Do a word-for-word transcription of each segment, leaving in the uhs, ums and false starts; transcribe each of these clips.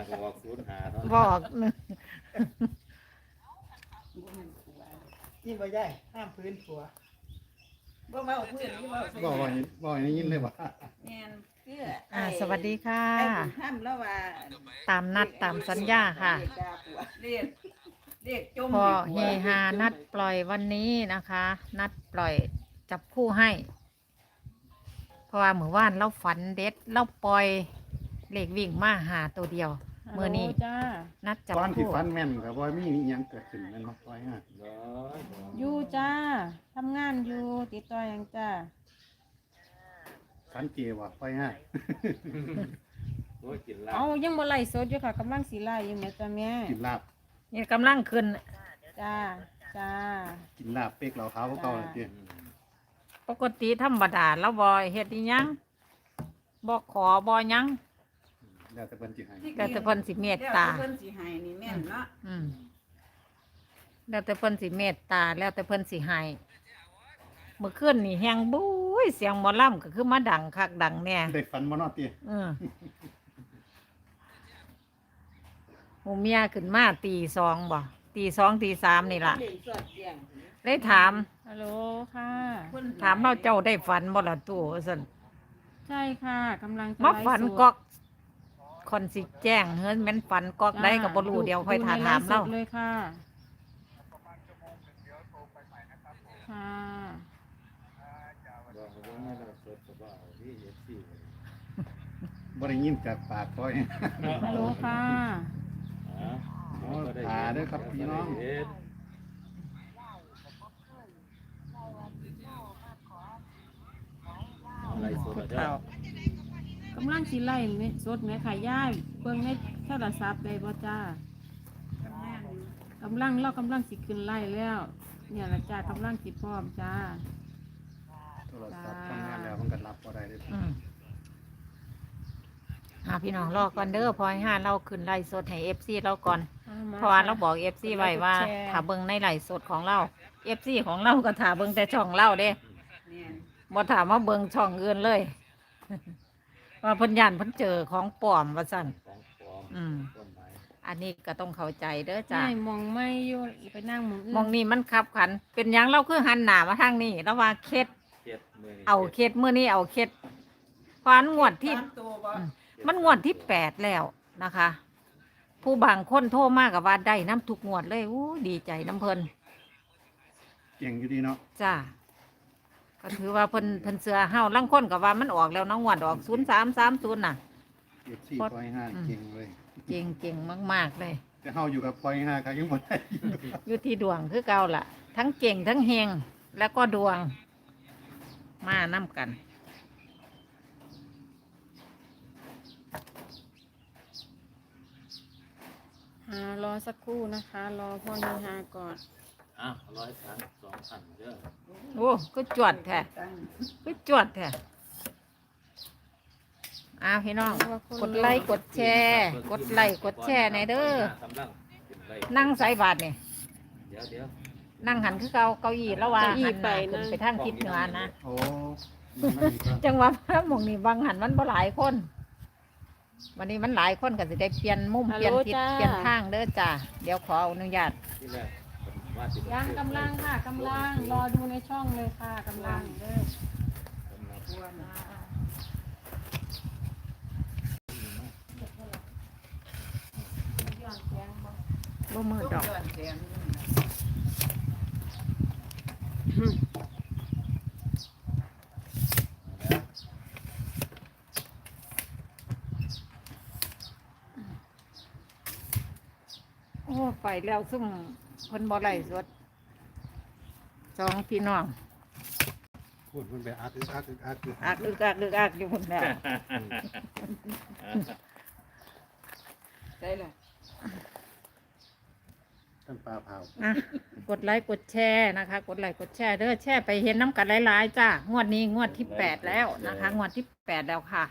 บอกศูนย์หาเท่านั้นบอกหนึ่งนี่บ่ได้ห้ามพื้นผัวบ่มาเอาพื้นนี่บ่บ่ว่าบ่ได้ยินเลยว่าแม่นคืออ่าสวัสดีค่ะไอ้บุญธรรมแล้วว่าตามนัดตามสัญญาค่ะเรียกเรียกจมพอเฮฮานัดปล่อยวันนี้นะคะ นัดปล่อยจับคู่ให้ เพราะว่าเมื่อวานเราฝันเด็ดเราปล่อยเลขวิ่งมาหาตัวเดียวเมื่อนี้จ้านัดจับตอนที่คู่ฟันแม่นก็บ่มีอิหยังเกิดขึ้นแม่นบ่ปล่อยฮะร้อยร้อยอยู่จ้าทำงานอยู่ติดต่อหยังจ้าฟันเจว่าปล่อยฮะโอ้ยกินลาเอาบยังบ่ไล่สดอยู่ค่ะกำลังสีไล่อยู่แม่จ้าแม่กินลาบนี่กำลังขึ้นจ้าจ้ากินลาบเป๊กเหล่าขาวเก่าๆเลยเจ้อืมปกติธรรมดาแล้วบอยเฮ็ดอีหยังบอขอบอหยังแล้วแต่เพิ่นสิให้แต่แต่เพิ่นสิเมตตาเพิ่นสิให้นี่แม่นเนาะอืมแล้วแต่เพิ่นสิเมตตา แล้วแต่เพิ่นสิให้เมื่อคืนนี่แฮงบุ้ยเสียงหมอลำก็คือมาดังคักดังแน่ได้ฟันบ่เนาะติอืมหมูเมียขึ้นมาตีสองบ่ตีสองตีสามนี่ล่ะเล่นสอดเสียงได้ถามฮัลโหลค่ะถามเราเจ้าได้ฝันบ่ล่ะตู่ซั่นใช่ค่ะกำลังจะมาไลฟ์ฝันสดกอกคอนสิแจ้งเฮ้ยแม่นฝันกอกได้ก็บ่รู้เดี๋ยวค่อยถามถามเราดูในไลฟ์สดเลยค่ะค่ะบอกว่าไม่เราสดก็บอกที่เอฟซีบ่ได้ยินจากปากปล่อยฮัลโหลค่ะอ๋อโอ้ตาเด้อครับพี่น้องเฮ็ดอะไรสดอะเจ้ากำลังสีไล่แม่สดแม่ค่ะย่ายเบิ่งในโทรศัพท์ได้บ่จ้าทำงานอยู่กำลังเรากำลังสิขึ้นไล่แล้ว เนี่ยละจ้ากำลังสิพร้อมจ้าโทรศัพท์ทำงานแล้วมันก็รับบ่ได้เด้ออืมอ่าพี่น้องรอก่อนเด้อพอให้ห้าเราขึ้นไลฟ์สดให้ เอฟ ซี เราก่อน เพราะว่าเราบอก เอฟ ซี ไว้ว่าถ้าเบิ่งในไลฟ์สดของเรา เอฟ ซี ของเราก็ถ้าเบิ่งแต่ช่องเราเด้แม่นบ่ถามว่าเบิ่งช่องอื่นเลย ว่าเพิ่นย่านเพิ่นเจอของปลอมว่าซั่นของปลอมอืมต้นไม้อันนี้ก็ต้องเข้าใจเด้อจ้ะใช่มองไม่อยู่ไปนั่งมองอื่นมองนี่มันขับขัน เป็นหยังเราคือหันหน้ามาทางนี้แล้วว่าเคล็ดเจ็ดมือนี่เอาเคล็ดมื้อนี้เอาเคล็ดเพราะอันงวดที่สามตัวบ่อืมมันงวดที่แปดแล้วนะคะ ผู้บางคนโทรมากกับว่าได้น้ำทุกงวดเลยอู้ดีใจน้ำเพลินเก่งอยู่ดีเนาะจ้าก็ถือว่าเพิ่นเพิ่นเสือเฮาลังคนกับว่ามันออกแล้วเน้องงวดออกศูนย์สามสามศูนย์น่ะเอฟซีปล่อยห้าเก่งเลยเก่งเก่งมากๆเลยแต่เฮาอยู่กับปล่อยห้าก็ยังบ่ได้อยู่ที่ดวงคือเก่าล่ะ ทั้งเก่งทั้งเฮงแล้วก็ดวง มานํกันอ่ารอสักครู่นะคะ รอพ่อเฮฮาก่อนอ่ะร้อยสามสองพันเด้อโอ้ก็จวดแท้ตั้งก็จวดแท้อ้าวพี่น้อง กดไลค์กดแชร์กดไลค์กดแชร์ในอยเด้อกำลังขึ้นไล่นั่งใส่บาทนี่เดี๋ยวเดี๋ยวนั่งหันคือเก่าเก้าอี้แล้วว่าเก้าอี้หันหน้าไปนะขึ้นไปทางทิศเหนือนะโอ้มันมันอีกแล้วจังหวะพระหมองนี่บางหันมันบ่หลายคน วันนี้มันหลายคนก็สิได้เปลี่ยนมุมฮัลเปโหลลี่ยนทิศจ้าเปลี่ยนทางเด้อจ้าเดี๋ยวขออนุญาตที่แรกผมว่าสิยังกำลังค่ะกำลังรอดูในช่องเลยค่ะกำลังเด้อกำลังบ่มือดอกย้อนแสงโอ้ไปแล้วซุ่มคนบ่ไล่สดสองพี่น้องพูดมันไปอักอึกอักอึกอักอึกอักอึกอักอึกอักอยู่พุ่นแล้วได้ล่ะท่านปลาเผาอ่ะกดไลค์กดแชร์นะคะ กดไลค์กดแชร์เด้อแชร์ไปเห็นน้ำกันหลายๆจ้างวดนี้งวดที่แปดแล้วนะคะ งวดที่แปดแล้วค่ะ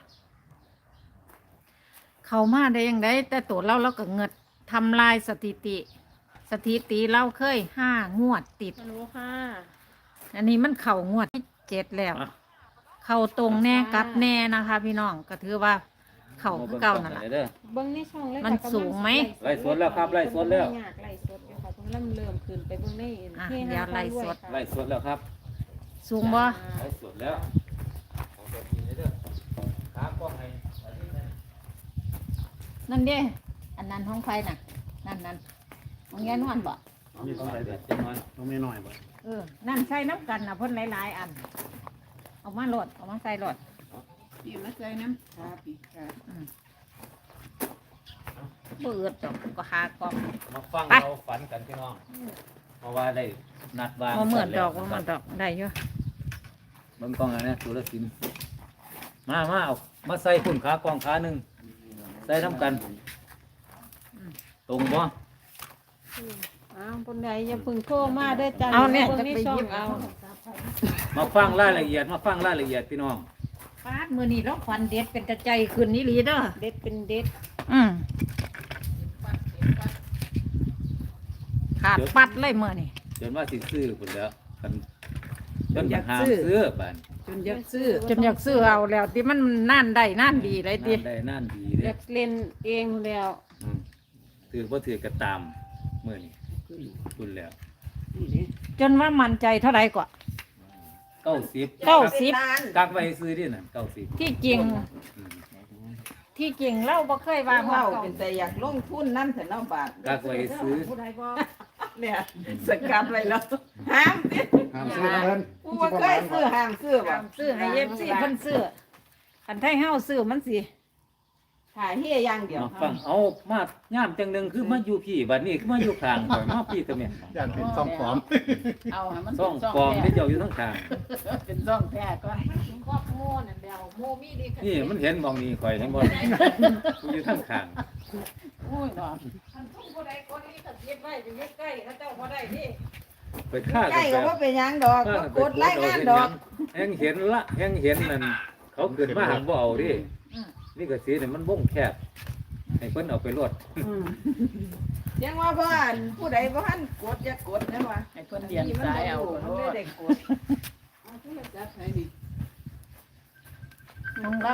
เข้ามาได้ยังไงแต่ตัวเราเราก็เงิดทำลายสถิติ สถิติเราเคยห้างวดติดฮัลโหลค่ะอันนี้มันเข่างวดที่เจ็ดแล้ว เข้าตรงแน่กลับแน่นะคะ พี่น้องก็ถือว่าเข่าคือเก่านั่นแหละเด้อเบิ้งในช่องเลยมันค่ะสูงไหมไล่สดแล้วครับไล่สดแล้วยากไล่สดอยู่ค่ะเพิ่งเริ่มเริ่มขึ้นไปเบิ้งในอ่ะเฮเดี๋ยวฮาไล่พารวยสดค่ะไล่สดแล้วครับสูงบ่ไล่สดแล้วเอาไปกินเลยเด้อขากล้องให้อันนี้นะนั่นเด้อันนั้นห้องไฟน่ะ นั่นนั่นของยายนวลบ่มีต้องใส่เด็เด็ดดจังหน่อยต้องไม่น้อยบ่เออ นั่นใส่น้ำกันน่ะเพ่นหลายๆอัน เอามาโหลดเอามาใส่โหลดพี่มาใส่น้ำค่ะพี่ค่ะเบื่อดอกก็หากล่องมาฟังไปเราฝันกันพี่น้อง เพราะว่าได้นัดวางมาเหมือนดอกกัมาน เหมือนดอกได้อยู่เบิ่งกล้องอันนี้สุรศิลป์มามาเอามาใส่คุณขากล้องขาหนึ่งใส่น้ำกัน ตรงบ่อ้าวคนใดอย่าเพึ่งโทรมาเด้อจ้าเอาเนี่ยบิ่งจะในไปช่องหยิบเอาเอามาฟังรายละเอียดมาฟังรายละเอียดพี่น้องปาดมือนี่เราฟันเด็ดเป็นกระใจขึ้นนี่หลีเด้อเด็ดเป็นเด็ดอืมขาดปัดเลยมือนี่จนว่าสิซื้อพุ่นแล้วกันจนอยากหามซื้อบ้านจนอยากซื้อจนอยากซื้อเอาแล้วที่มันนั่นได้นั่นดีเลยตินั่นได้นั่นดีอเด้ยากเล่นเองแล้วอืมถือบ่ถือก็ตามมื้อนี้คุณแล้วจนว่ามันใจเท่าไหร่กว่าเก้าสิบเก้าสิบกักไว้ซื้อดิน่ะเก้าสิบที่จริงอืมที่จริงเราบ่เคยว่าว่าเฮาเราเป็นแต่อยากลงทุนนั่นแต่เนาะบาทกักไว้ซื้อผู้ใดบ่เนี่ยสกัดไว้แล้วห้ามติห้ามซื้อนะเพิ่นผู้ว่าเคยซื้อห้ามซื้อบ่ตามซื้อให้ เอฟ ซีเพิ่นซื้ออันไทยเฮาซื้อมันสิถ่ายเฮียอย่างเดียวมาฟังเอามาย่ามจังหนึงคือมาอยู่พี่บัดนี้คือมาอยู่ข้างข่อยมาพี่ตะแม่ย่านเป็นซ่องปลอมเอาให้มันซ่องปลอมที่เจ้าอยู่ทั้งข้างเป็นซ่องแท้ก็ครอบโม่นั่นเดียวโมมีดีนี่มันเห็นมองนี่ข่อยเห็นบ่กูอยู่ทั้งข้างโอ้ยเนาะคันทุ่งผู้ใดคนนี้ก็เก็บไว้อยู่ใกล้ๆเขาเจ้าบ่ได้ดิไปฆ่าใกล้กันก็แบบว่าเป็นหยังดอกฆ่าก็กันไปกดไล่งานดอกแฮงเห็นละแฮงเห็นนั่นเขาเกิดมาหังบ่เอาดินี่ก็สิเนี่ยมันวงแคบให้เพิ่นเอาไปรวดอืมยังว่าบ้านผู้ใดบ่ทันกดอย่ากดนะว่าให้เพิ่นเรียนสายเอามันไม่ได้กดเอาโทรศัพท์ให้ดิของเรา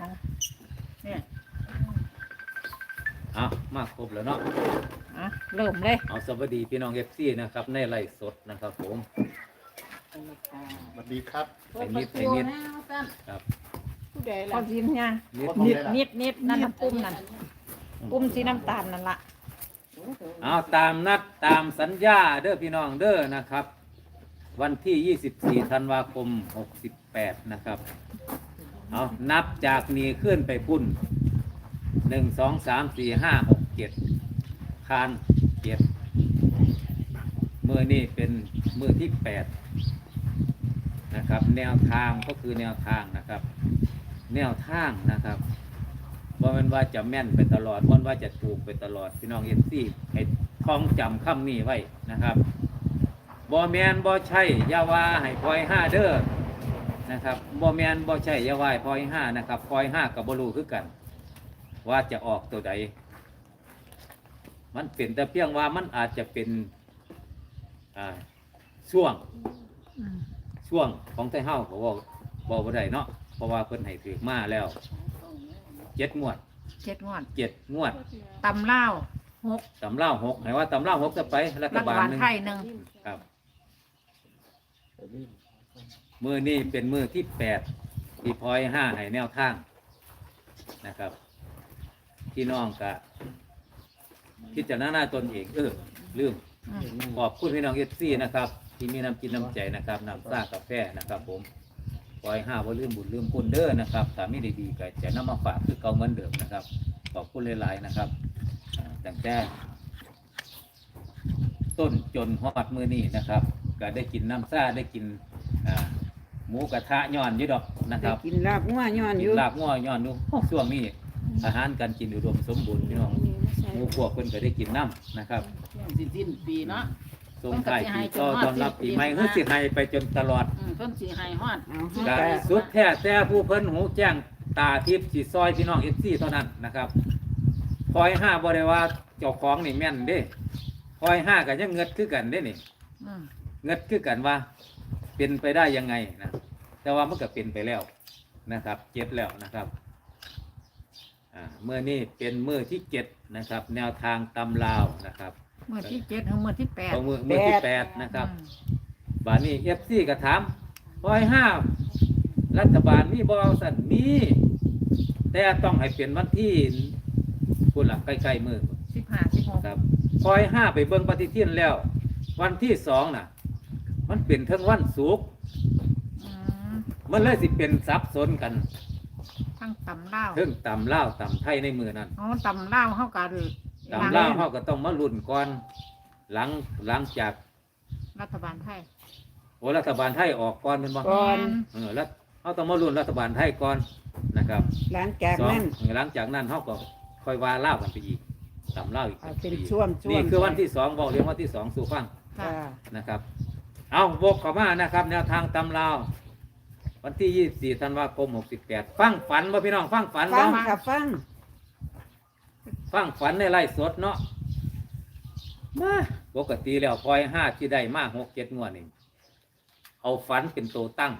เอามาครบแล้วเนาะอ่ะเริ่มเลยเอาสวัสดีพี่น้อง เอฟ ซี นะครับในไลฟ์สดนะครับผมสวัสดีครับไอ้นิดไอ้นิดครับผู้ใดพอล่ะพิมพ์เนี่ยนิดนิดนิดนิดนั่นน่ะปุ่มนั่นปุ่มสีน้ำตาลนั่นละเอาตามนัดตามสัญญาเด้อพี่น้องเด้อนะครับ วันที่ ยี่สิบสี่ ธันวาคม หกสิบแปด นะครับ เอานับจากนี้ขึ้นไปพุ่นหนึ่งสองสามสี่ห้าหกเจ็ดคานเจ็ดมือนี่เป็นมือที่แปดนะครับ แนวทางก็คือแนวทางนะครับ แนวทางนะครับว่ามันว่าจะแม่นไปตลอดว่าว่าจะถูกไปตลอดพี่น้องเอฟซีให้ท่องจำคำนี้ไว้นะครับบอแมนบอใช่อยาว่าให้พลอยห้าเด้อนะครับบอแมนบอใช่อยาว่าให้พลอยห้านะครับพลอยห้ากับบรูคือกัน ว่าจะออกตัวใดมันเป็นแต่เพียงว่ามันอาจจะเป็นอ่าช่วงอืมช่วงของไทเฮ้าเขาบอกบอกว่าได้เนาะเพราะว่าเพิ่นให้ถือมาแล้วเจ็ดงวดเจ็ดงวดเจ็ดงวดตำเล่าวหกตำเล่าหกให้ว่าตำเล่าหกจะไปรัฐรัฐบาลบาลหนึ่งไทยหนึ่งครับมือนี้เป็นมือที่แปดที่พลอยห้าให้แนวทางนะครับพี่น้องกะพิจารณาตนเองเออลืมอืมขอบคุณพี่น้องเอฟซีนะครับ ที่มีน้ำจิตน้ำใจนะครับน้ำซ่ากาแฟนะครับ ผมปล่อยห้าว่าลืมบุญลืมคุณเด้อนะครับถ้าไม่ได้ดีก็จะนำมาฝากคือเก่าเหมือนเดิมนะครับ ขอบคุณหลายๆนะครับอ่าตั้งแต่ต้นจนฮอดมือนี้นะครับ ก็ได้กินน้ำซ่าได้กินอ่าหมูกระทะย้อนอยู่ดอกนะครับกินลาบงัวย้อนอกินยู่ลาบง้อย้อนดูช่วงนี้อาหารการกินอุดมสมบูรณ์พี่น้องหมูพวกเพิ่นก็ได้กินน้ำนะครับสิสิ้นปีเนาะส่งท้ายปีก็ตอนรับปีใหม่เฮือสิให้ไปจนตลอดอืมเพิ่นสิให้ฮอดเอากาสุดแท้แต่ผู้เพิ่นหูแจ้งตาทิพย์สิซอยพี่น้องเอฟซีเท่านั้นนะครับคอยห้าบ่ได้ว่าเจ้าของนี่แม่นเด้คอยห้าก็ยังเงิดคือกันเด้นี่อืมเงิดคือกันว่า เป็นไปได้ยังไงนะแต่ว่ามันก็เป็นไปแล้วนะครับเจ็ดแล้วนะครับอ่าเมื่อนี้เป็นมือที่เจ็ดนะครับ แนวทางตำลาวนะครับเมื่อที่เจ็ดถึงเมื่อที่แปดเอามือมือที่แปดนะครับอืมบานี้เอฟซีก็ถามร้อยห้ารัฐบาลมีบอสันมีแต่ต้องให้เป็นวันที่คุณหลักใกล้ๆมือสิบห้าสิบหกครับคอยห้าไปเบิ่งปฏิทินแล้ว วันที่สองน่ะ มันเป็นทั้งวันศุกร์อืมมันเลยสิเป็นซับซ้อนกันทั้งตำเล่าวเทิงตำเล่าวตำไทยในมือนั้นอ๋อตำเล่าวเข้ากันตำเล่าวเขาก็ต้องมาลุ้นก่อน หลังหลังจากรัฐบาลไทยโอรัฐบาลไทยออกก่อนเป็นบ่ก่อนเออแล้วเขาต้องมาลุ้นรัฐบาลไทยก่อนนะครับหลังจากสองนั้นหลังจากนั้นเขาก็ค่อยว่าเล่าวกันไปอีกตำเล่าวอีกเอาเป็นอีกช่วงช่วงนี่คือวันที่สองบอกเรียกวันที่สองสู่ฟังค่ะค่ะนะครับ เอาวกเข้ามานะครับ แนวทางตำลาววันที่ยี่สิบสี่ธันวาคมหกสิบแปดฟังฝันบ่พี่น้องฟังฝันฟับ่งค่ะฟังฟังฝันในไร่สดเนาะมาปกติแล้วคอยห้าที่ได้มากหกเจ็ดงวดนี่เอาฝันเป็นตัวตั้ง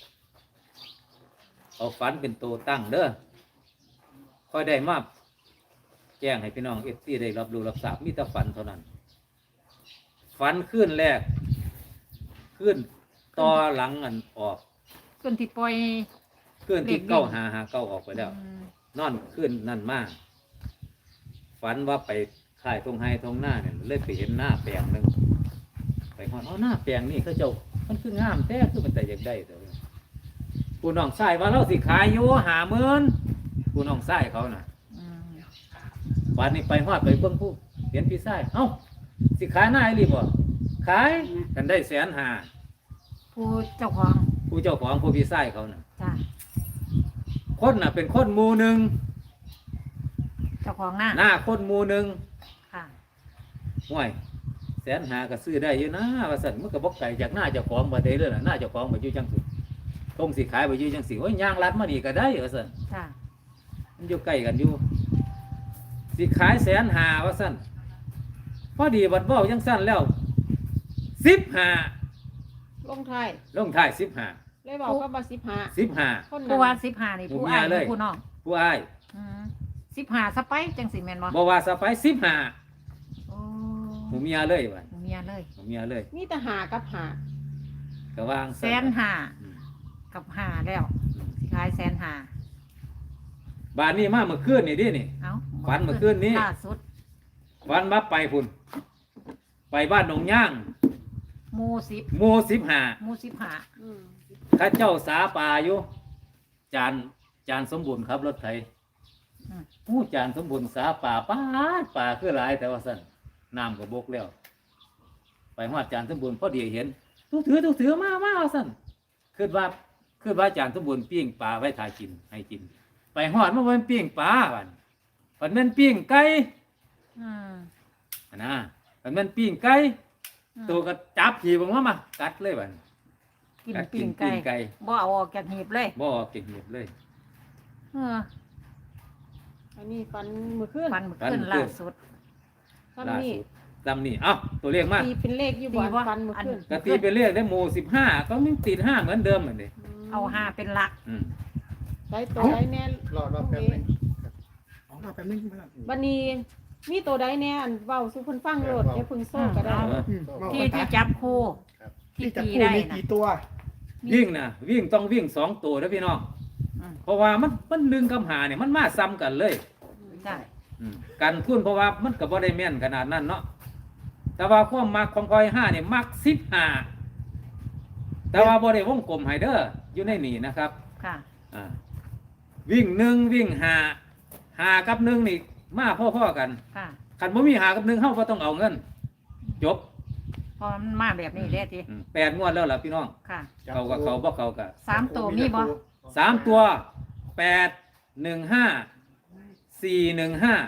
เอาฝันเป็นตัวตั้งเด้อคอยได้มาแจ้งให้พี่น้องเอฟซีได้รับรู้รับทราบมีแต่ฝันเท่านั้น ฝันขึ้นแรก ขึ้นต่อหลังอันออกส่วนที่ปล่อยขึ้นที่เก้าหาหาเก้าออกไปแล้วอืมนอนขึ้นนั่นมาก ฝันว่าไปค่ายตรงไฮตรงหน้าเนี่ยเลยไปเห็นหน้าแปลงหนึ่งไปหอดเอาหน้าแปลงนี่เขาเจ้ามันคืองามแท้คือมันแต่อยากได้แต่ว่าผู้น้องชายว่าเราสิขายอยู่หาเมินผู้น้องชายเขาน่ะอืมวันนี้ไปหอดไปเบิ่งผู้เห็นพี่ชายเอ้าสิขายหน้าไอ้รีบ่ขายกันได้แสนหาผู้เจ้าของผู้เจ้าของผู้พี่ชายเขาน่ะจ้ะคนน่ะเป็นคนหมู่หนึ่งเจ้าของหน้าหน้าคนหมู่หนึ่งค่ะห่วยแสนหาก็ซื้อได้อยู่นะว่าสั่นมันก็บอกไก่จากหน้าเจ้าของมาได้เลยล่ะหน้าเจ้าของมาอยู่จังสิตรงสิขายมาอยู่จังสิโอ้ยย่างรัดมานี่ก็ได้ว่าสั่นจ้ะมันอยู่ใกล้กันอยู่สิขายแสนหาว่าสั่นพอดีบัดเบ้าจังสั่นแล้วสิบหาลงไทายลงท้ายสิบหาเลยบอกก็มาสิบห้าสิบหาคนผู้นั้นว่าสิบห้านี่ผู้ผู้เมียอ้ายเลยผู้น้องผู้อ้ายอืมสิบห้าสไปจังสิแม่นบ่บอกว่าสะไปสิบหาโอ้หมูเมียเลยวันผู้เมียเลยหมูเมียเลยมีแต่หากับหาก็วางแสนห้าอืมกับห้าแล้วอืมสิขายแสนห้าบ้านนี้มาเมื่อคืนนี่ดินี่เอ้าฝันเมื่อคืนนี้ล่าสุดวันมาไปพุ่นไปบ้านหนองย่างหมูสิบหมู่สิบหาหมูสิบห้าอืมข้าเจ้าสาป่าอยู่ จานจานสมบูรณ์ครับรถไถอืมผู้จานสมบูรณ์สาป่าป้าดป่าคือหลายแต่ว่าสั่นน้ำก็บกแล้ว ไปหอดจานสมบูรณ์พอดีเห็นตู้ถือตู้ถือมามาว่าสั่นคือว่าคือว่าจานสมบูรณ์ปิ้งปลาไว้ทากินให้กิน ไปหอดมาเป็นปิ้งปลาบันมันเป็นปิ้งไก่อืมอันนะมันเป็นปิ้งไก่อืมตัวก็จับขี่บังว่ามากัดเลยบันกินกัดปิ้งปิ้งไก่ไก่บ่เอาออกจากหีบเลยบ่เก่งเหียบเลยเอออันนี้ฟันมือขึ้นฟันเมื่อฟันขึ้นเมื่อคืนล่าสุดฟันล่านี่สุดลำนี่เอ้าตัวเลขมาตีเป็นเลขอยู่บ่ตีว่าฟันมือขึ้นกตีเป็นเลขได้หมู่สิบห้าก็ไม่ติดห้าเหมือนเดิมเหมือนเดิมมเอาห้าเป็นหลักอืมได้ตัวได้แน่รอรอแป๊บนึงครับอ๋อรอแป๊บนึงครับบันนี้มีตัวได้แน่อันเว้าสุเพิ่นฟังโลดอย่าเพิ่งโซ่ก็ได้เอออืมที่ที่จับคู่ครับที่ที่จะตีพูดได้มีนะกี่ตัววิ่งนะวิ่งต้องวิ่งสองตัวนะพี่น้องอืมเพราะว่ามันมันหนึ่งกับหาเนี่ยมันมาซ้ำกันเลยใช่อืมกันทุนเพราะว่ามันก็บ่ได้แม่นขนาดนั้นเนาะแต่ว่าความมักของคอยห้าเนี่ยมักสิบห้าแต่ว่าบ่ได้วงกลมให้เด้ออยู่ในนี่นะครับค่ะอ่าวิ่งหนึ่งวิ่งหาหากับหนึ่งนี่มาพ่อๆกันค่ะคันบ่มีหากับหนึ่งเฮาบ่ต้องเอาเงิน จบพอมันมาแบบนี้เด้ทีอืมแปดงวดแล้วล่ะพี่น้องค่ะเขากับเขาบ่เขากับสามตัวมีบ่สามตัวแปดหนึ่งห้าสี่หนึ่งห้า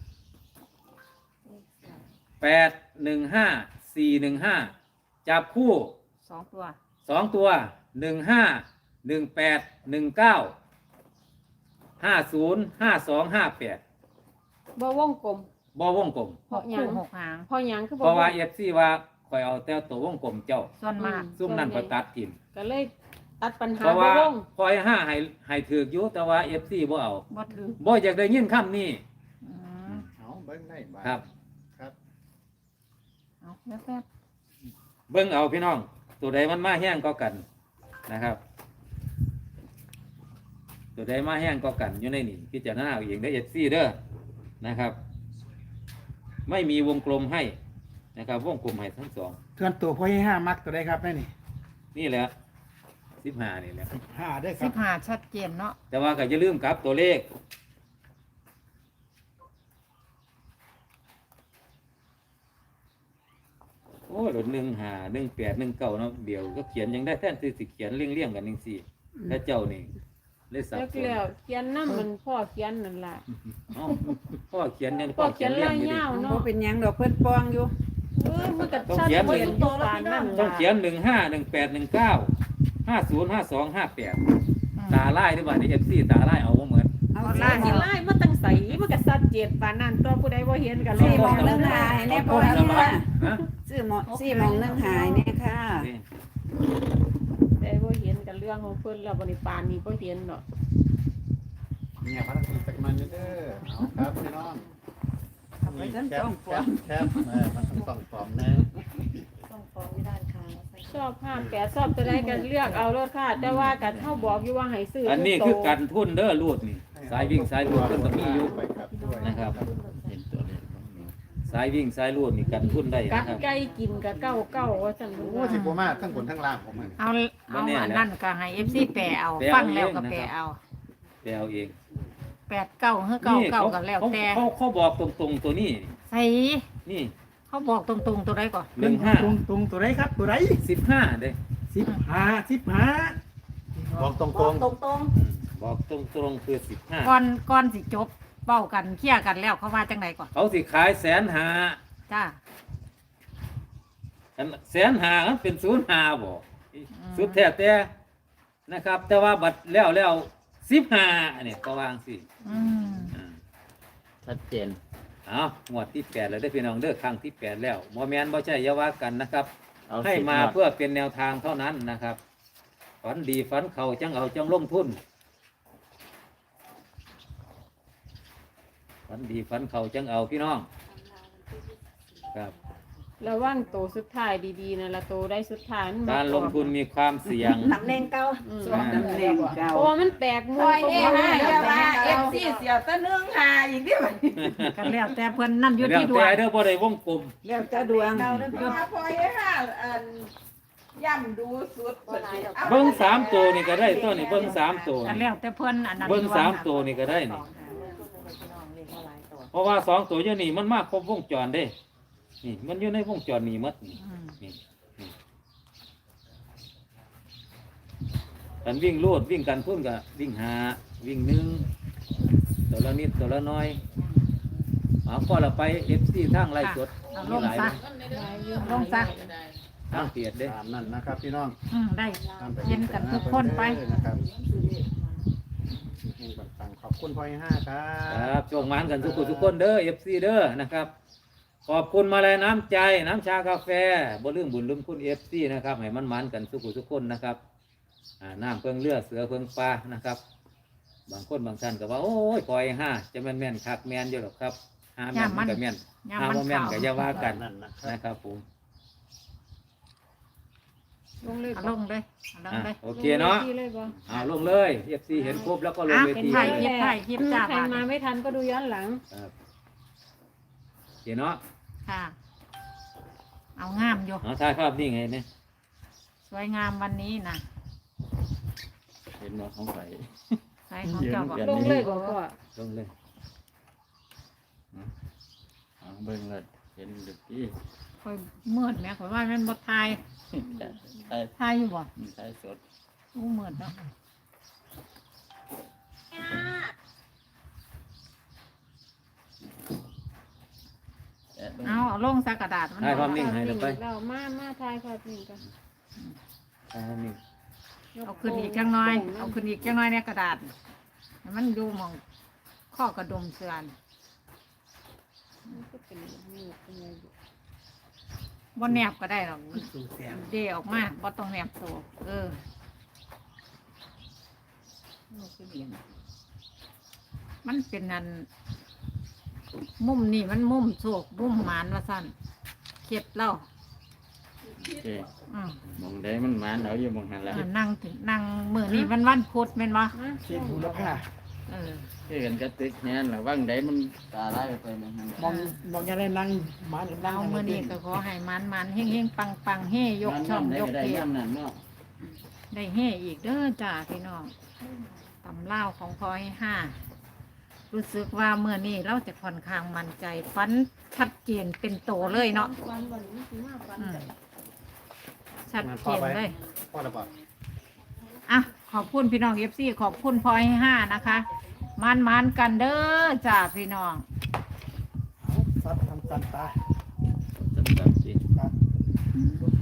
แปดหนึ่งห้าสี่หนึ่งห้าจับคู่สองตัวสองตัวหนึ่งห้าหนึ่งแปดหนึ่งเก้าห้าศูนย์ห้าสองห้าแปดบ่วงกลมบ่วงกลมเพราะหยัคู่งหกหางเพราะหยังคือบ่เพราะว่าวงเอฟซีว่าคอยเอาแต่ตัววงกลมเจ้าส่วนมากซุ่มนั่นก็ตัดทิมก็เลยตัดปัญหาเพราะบ่ว่าลงปล่อยห้าให้ให้ถือกอยู่แต่ว่า เอฟ ซี บ่เอาบ่ถือบ่อยากได้ยินคำนี้อืมเอาเบิ้งได้าทครับครับเอาแป๊บเบิ่งเอาพี่น้อง ตัวใดมันมาแห้งก็กันนะครับ ตัวใดมาแห้งก็กันอยู่ในนี่พิจารณาเอาเองได้อ เอฟ ซี เด้อนะครับ ไม่มีวงกลมให้นะครับ วงกลมให้ทั้งสองเทือนตัวพ่อให้ห้ามักตัวได้ครับแม่นี่นี่แหละสิบห้านี่แหละห้าได้ๆคสิรับบห้าชัดเจนเนาะแต่ว่าก็จะลืมกลับตัวเลข โอ้ยหลดหนึ่งหาหนึ่งแปดหนึ่งเก้าเนาะเดี๋ยวก็เขียนยังได้แท่นที่สิเขียนเลี่ยงเลี่ยงๆกันหนึ่งสี่ถ้าเจ้านี่เลยสับแล้วสนแล้วเขียนนำมันพ่อเขียนนั่นล่ะเอ้าพ่อเขียนยังพ่อเขียนเลี่ยลาง ยอยู่ดิยาวบ่เนาะเป็นหยังดอกเพิ่นปองอยู่เออมันก็ต้องชัดเขียนเจนอยู่ปานนั่นต้องล่ะเขียนหนึ่งห้าหนึ่งแปดหนึ่งเก้าห้าศูนย์ห้าสองห้าแปดอืมตาไล่ด้วยว่าในเอฟซีตาไล่เอาบ่เหมือนเอาเอาสิล่ะสิไล่มาตั้งใสมันก็ชัดเจนปานนั้นตัวผู้ใดบ่เห็นก็เลสี่ยโมบอกงหนึงหายแน่พ่อเอาค่ะฮะซื้อหมอสี่โมงหนึงหายแน่ค่ะนี่แต่บ่เห็นกันเรื่องของเพิ่นแล้วบ่ได้ปานนี้บ่เห็นเนาะเนี่ยพระคุณจักมันเด้อเอาครับพี่น้องเอาไปทั้งสองแคปอบ งแคบเออมันต้องต้องปลอมแน่ชอบห้าแปดชอบตัวใดก็เลือกเอารถค่ะ แต่ว่ากันเฮาบอกอยู่ว่าให้ซื้ออันนี้คือกันทุนเด้อรูดนี่ สายวิ่งสายรูดเพิ่นก็มีอยู่ไปครับด้วยนะครับเห็นตัวเลขตรงนี้สายวิ่งสายรูดนี่กันทุนได้กัดนะครับไก่กินก็เก้าเก้าว่าซั่นโอ้สิบ่มาทั้งบนทั้งล่างผมมันเอาเอาบ่แน่นะอันนั้นก็ให้ เอฟ ซี แปลเอาแปลเอาฟังแล้วก็เองนะครับแปลเอาไปเอาเองแปดเก้าเฮ้อเก้านี่เก้าเขาก็แล้วเขาแต่เขาเขาบอกตรงๆตัวนี้ใส่นี่เขาบอกตรงๆตัวใดก่อนหนึ่งห้าตรงตรงตัวได้ครับตัวได้สิบห้าเด้สิบห้าสิบห้าบอกตรงตรงตรงอืมบอกตรงๆคือสิบห้าก่อนก่อนสิจบเป้ากันเคลียร์กันแล้วเขาว่าจังไดก่อนเขาสิขายแสนหาจ้าอันแสนหามันเป็นศูนย์หาบ่สุดแท้แต่นะครับ แต่ว่าบัตรแล้วแล้วสิบห้าเนี่ยก็วางสิอืมอ่าชัดเจนเอางวดที่แปดแล้วได้อพี่น้องเด้อครั้งที่แปดแล้วบ่แม่นบ่ใช่อยาว่ากันนะครับเอาให้สิบมาหมดเพื่อเป็นแนวทางเท่านั้นนะครับ ฝันดีฝันเขาจังเอาจังลงทุน ฝันดีฝันเขาจังเอาพี่น้อง ครับระวังโตสุดท้ายดีๆนั่นล่ะโตได้สุดท้ายมันบ่การลงทุนมีความเสี่ยงตำแหน่งเก่าอืมสองตำแหน่งเก่าเพราะว่ามันแปลกมุปมล่อยเองนะอย่าว่าเอเอฟฟซีซีเสียวตะเนืองหาอีกเด้อบัดนี้กันแล้วแต่เพิ่นนั่นอยู่เรื่องที่ดวแต่งเด้อบ่ได้วงกลมแล้วจะดวงพ่อให้ห้าอันย่ำดูสุดเบิ้งสามตัวนี่ก็ได้ตัวนี่เบิ้งสามตัวกันแล้วแต่เพิ่นอันนั้นเบิ้งดวสามตัวนี่ก็ได้นี่เพราะว่าสองตัวอยู่นี่มันมากครบวงจรเด้ นี่มันอยู่ในวงจรนี่หมดนี่อืมนี่นี่กันวิ่งลูดวิ่งกันพุ่นก็วิ่งหาวิ่งหนึ่งตัวละนิดตัวละน้อยเอาก็เราไปเอฟซีทางไล่สดเอาลมีงหลายซะ ลงซะทางเปียดเด้ตามนั่นนะครับพี่น้องอืมได้ตามไปเย็นกันทุกคนไปนะครับเฮงปังๆขอบคุณพ่อให้ห้าครัครับ บโชคหมานกันทุกคนทุกคนเด้อเอฟซีเด้อนะครับ ขอบคุณมาเลยน้ำใจน้ำชากาแฟบ่ลืมบุญลืมคุณเอฟซีนะครับให้มันมันๆกันทุกคนทุกคนนะครับอ่าน้ำเพิงเลือเสือเพิงปลานะครับ บางคนบางท่านก็ว่าโอ้ยปล่อยห้าจะแม่นแม่นคักแม่นอยู่หรอกครับห้าแม่นมันก็แม่นยามห้ามันบ่แม่นเข้าก็อย่าว่ากันนั่นนะครับนะครับผมลงเลยเอาลงเลยเอาลงอ่ะเลยโอเคเนาะลงเลยบ่เอาลงเลยเอฟซีเห็นครบแล้วก็ลงอ่ะเวเป็นทีไทยเลยยิบไทยยิบจ้าใครบาทมาไม่ทันก็ดูย้อนหลังครับโอเคเนาะค่ะ เอางามอยู่เอาถ่ายภาพนี่ไงเนี่ยสวยงามวันนี้นะเห็นว่าของใครใส่ของเจ้าบอกลงเลยบ่พ่อลงเลยเอาเบิ่งเลยเห็นดึกที่ค่อยมืดแหม่ข่อยว่ามันบ่ทายใช่ทายอยู่บ่ใช่สดอู้มืดเนาะแต่เบิ่งเอาเอาลงใส่กระดาษมันถ่ายภาพนิ่งให้เราไปเรามามาทายภาพนิ่งกันถ่ายภาพนิ่งเอาขึ้นอีกจังน้อย เอาขึ้นอีกจังน้อยในกระดาษให้มันอยู่หมองข้อกระดุมเสือนมันก็เป็นนิ้วเป็นไงอยู่บ่แนบก็ได้หรอกสูแสงเดออกมาบ่ต้องแนบโตเออมันเป็นนันมุมนี่มันมุมโศกมุมหมานว่าสั้นเข็ดเล่าโอเคอืมมองได้มันหมานเอาอยู่มองหันละเออนั่งถึงนั่งมือนี่มันวันพุธแม่นวะเขียนบุรพาเออคือกันกระติกแน่นหรือว่างได้มันตาไล่ไปมองหันมองมองยังได้นั่งมาหรือนั่งเอามือนี่ก็ขอให้มันมันเฮงเฮงปังปังเฮยกช่องยกได้เกียย่ำนั่นเนาะได้เฮอีกเด้อจ้าพี่น้องตำเล่าวของพอให้ห้ารู้สึกว่าเมื่อนี้เราจะค่อนข้างมั่นใจฟันชัดเจนเป็นโตเลยเนาะวันวันนี้สิมาฟันอืมใจชัดเจนเลยพ่อระบาดอ่ะขอบคุณพี่น้องเอฟซีขอบคุณพลอยให้ห้านะคะมันมันๆกันเด้อจ้าพี่น้องซัดทำสันตาจัดจัดสิครับ